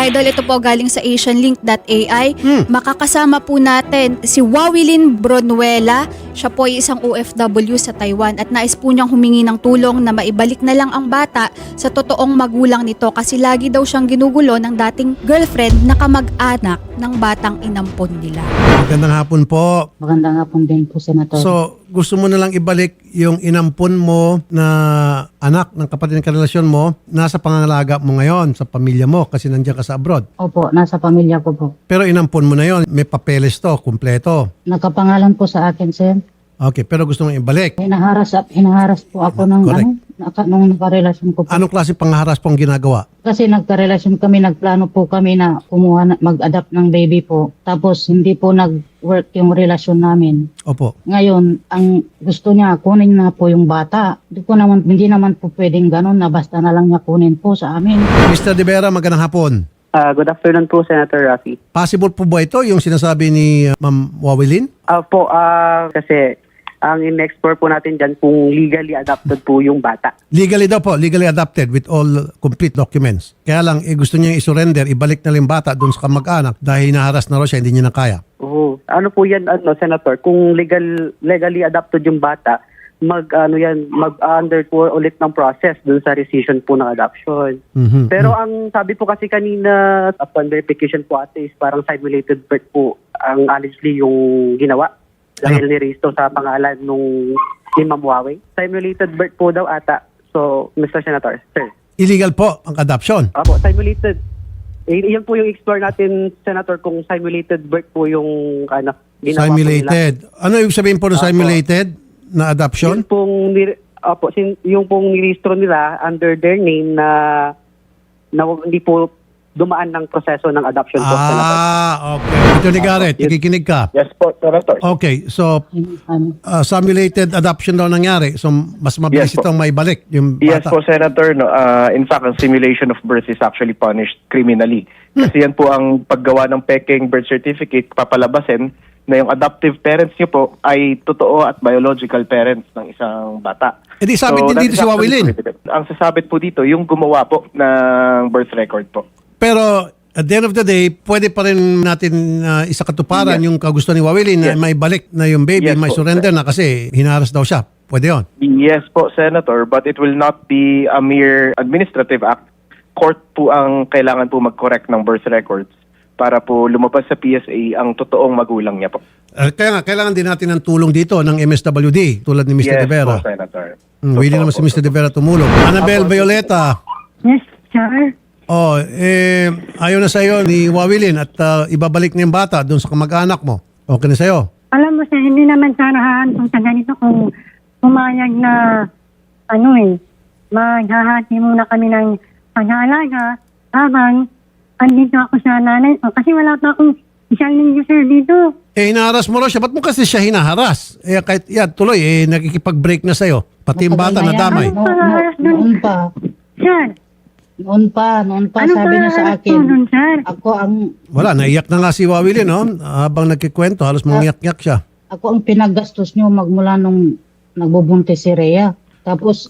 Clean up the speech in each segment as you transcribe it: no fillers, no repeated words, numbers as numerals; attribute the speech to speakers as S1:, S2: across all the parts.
S1: Idol, ito po galing sa asianlink.ai. Makakasama po natin si Wawilin Bronuela. Siya po ay isang OFW sa Taiwan at nais po niyang humingi ng tulong na maibalik na lang ang bata sa totoong magulang nito kasi lagi daw siyang ginugulo ng dating girlfriend na kamag-anak ng batang inampon nila.
S2: Magandang hapon po.
S3: Magandang hapon din po, Senator.
S2: So, gusto mo na lang ibalik yung inampon mo na anak ng kapatid ng karelasyon mo, nasa pangangalaga mo ngayon sa pamilya mo kasi nandiyan ka sa abroad.
S3: Opo, nasa pamilya ko po.
S2: Pero inampon mo na yon, may papeles to, kumpleto.
S3: Nakapangalan po sa akin, sir.
S2: Okay, pero gusto mong ibalik.
S3: Hinaharas po ako ng nung nakarelasyon ko po.
S2: Anong klase pangharas pong ginagawa?
S3: Kasi nagkarelasyon kami, nagplano po kami na mag-adapt ng baby po. Tapos hindi po nag-work yung relasyon namin.
S2: Opo.
S3: Ngayon, ang gusto niya, kunin na po yung bata. Hindi naman po pwedeng ganun na basta na lang niya kunin po sa amin.
S2: Mr. De Vera, magandang hapon.
S4: Good afternoon po, Senator Rafi.
S2: Possible po ba ito yung sinasabi ni Ma'am Wawilin?
S4: Kasi ang in-explore po natin dyan kung legally adopted po yung bata.
S2: Legally daw po, legally adopted with all complete documents. Kaya lang, gusto niya i-surrender, ibalik na lang yung bata doon sa kamag-anak dahil hinaharas na raw siya, hindi niya na kaya.
S4: Ano po yan, Senator? Kung legally adopted yung bata, mag-under po ulit ng process doon sa rescission po ng adoption. Pero ang sabi po kasi kanina, upon verification po ate, is parang simulated birth po ang allegedly yung ginawa. Dahil nirehistro sa pangalan ni Ma'am Wawi. Simulated birth po daw ata. So, Mr. Senator, sir.
S2: Illegal po ang adoption.
S4: Opo, simulated. Iyan po yung explore natin, Senator, kung simulated birth po yung ginawa
S2: Simulated. Ano ibig sabihin po ng simulated na adoption?
S4: Yung pong nirehistro nila under their name na hindi po dumaan ng proseso ng adoption po, Senator.
S2: Okay. Ito ni Garrett, nakikinig ka.
S5: Yes po, Senator.
S2: Okay, so simulated adoption daw nangyari. So mas mabilis
S5: Yes po.
S2: itong maibalik yung
S5: Yes
S2: bata.
S5: po, Senator. No, in fact, ang simulation of birth is actually punished criminally. Kasi yan po ang paggawa ng peking birth certificate, papalabasin na yung adoptive parents niyo po ay totoo at biological parents ng isang bata.
S2: E di sabit din
S5: that
S2: dito
S5: is
S2: si
S5: actually
S2: Wawilin.
S5: prohibited. Ang sasabit po dito, yung gumawa po ng birth record po.
S2: Pero at the end of the day, pwede pa rin natin isakatuparan yung kagusto ni Wawilin na may balik na yung baby,
S5: Yes
S2: may
S5: po,
S2: surrender na kasi hinaras daw siya. Pwede yun.
S5: Yes po, Senator, but it will not be a mere administrative act. Court po ang kailangan po mag-correct ng birth records para po lumabas sa PSA ang totoong magulang niya po.
S2: Kaya nga, kailangan din natin ng tulong dito ng MSWD tulad ni Mr. De Vera.
S5: Po, Senator.
S2: Willing naman si Mr. De Vera tumulong. Annabel Violeta.
S6: Yes, sir.
S2: Ayaw na sa'yo ni Wawilin at ibabalik niya yung bata doon sa kamag-anak mo. Okay na sa'yo?
S6: Alam mo, sir, hindi naman sana haantong sa ganito kung pumayag na, maghahati muna kami ng pag-aalaga habang andito ako sa nanay ko. Kasi wala pa akong isang linggo, sir, dito.
S2: Hinaharas mo raw siya. Ba't mo kasi siya hinaharas? Kahit tuloy, nakikipag-break na sa'yo. Pati yung bata na damay.
S3: Noon pa.
S6: Sir,
S3: Noon pa,
S6: ano
S3: sabi niya sa akin.
S6: Doon, sir?
S3: Ako ang
S2: Naiyak na nga si Wawilin, no? Habang nagkikwento, halos mangiyak-yak siya.
S3: Ako ang pinaggastos niyo magmula nung nagbubuntis si Rhea. Tapos,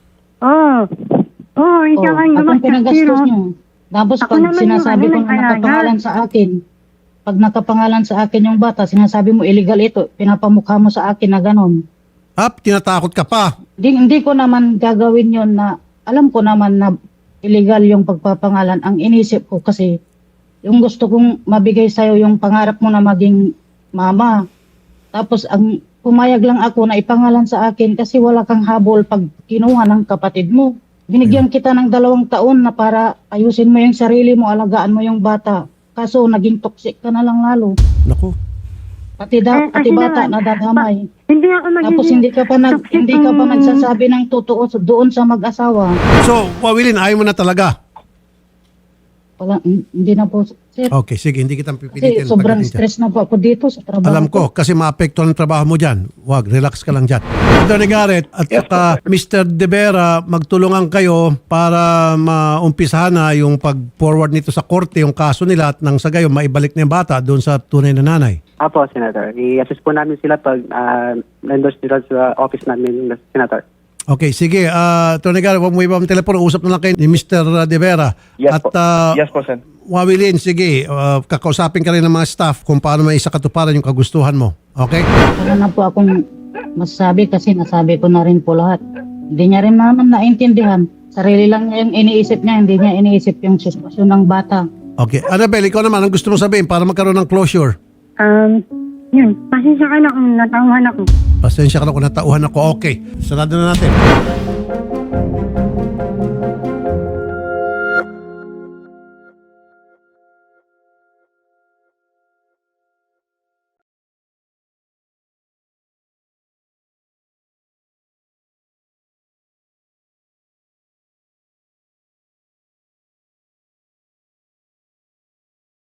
S6: ikaw ang
S3: ako ang pinaggastos niyo. Tapos
S6: Ako
S3: pag
S6: naman
S3: sinasabi
S6: yung
S3: ko na nakapangalan sa akin, pag nakapangalan sa akin yung bata, sinasabi mo illegal ito, pinapamukha mo sa akin na ganon.
S2: Tinatakot ka pa.
S3: Hindi ko naman gagawin yon na, alam ko naman na illegal yung pagpapangalan. Ang inisip ko kasi, yung gusto kong mabigay sa'yo yung pangarap mo na maging mama. Tapos ang pumayag lang ako na ipangalan sa akin kasi wala kang habol pag kinuha ng kapatid mo. Binigyan kita ng 2 taon na para ayusin mo yung sarili mo, alagaan mo yung bata. Kaso naging toxic ka na lang lalo.
S2: Naku.
S3: Pati bata nadadamay.
S6: Hindi ako magiging...
S3: Tapos hindi ka pa nagsasabi ng totoo doon sa mag-asawa.
S2: So, Wawilin, ayaw mo na talaga.
S3: Wala, hindi na po, sir.
S2: Okay, sige, hindi kitang
S3: Kasi
S2: pipilitin.
S3: sobrang
S2: pagdating dyan.
S3: stress na po ako dito sa trabaho.
S2: Alam ko, kasi maapektuhan ang trabaho mo dyan. Wag, relax ka lang dyan. Ito ni Garrett at saka Mr. De Vera, magtulungan kayo para maumpisahan na yung pag-forward nito sa korte, yung kaso nila at nang sa gayon, maibalik na yung bata doon sa tunay na nanay.
S4: Apo, Senator. I-assist po namin sila pag endorse nila sa office namin, Senator.
S2: Okay, sige. Attorney Garrett, huwag mo iba ang telepono. Usap na lang kayo ni Mr. De Vera.
S5: Yes
S2: At
S5: po. Yes po, Sen.
S2: Wawilin, sige. Kakausapin ka rin ng mga staff kung paano may isa katuparan yung kagustuhan mo. Okay?
S3: Wala na po akong masasabi kasi nasabi ko na rin po lahat. Hindi niya rin naman naintindihan. Sarili lang niya yung iniisip niya, hindi niya iniisip yung sitwasyon ng bata.
S2: Okay. Annabelle, ikaw naman, ang gusto mo sabihin para magkaroon ng closure?
S6: Yun, pasensya ka na kung natauhan ako.
S2: Pasensya ka na kung natauhan ako. Okay. Sarado na natin.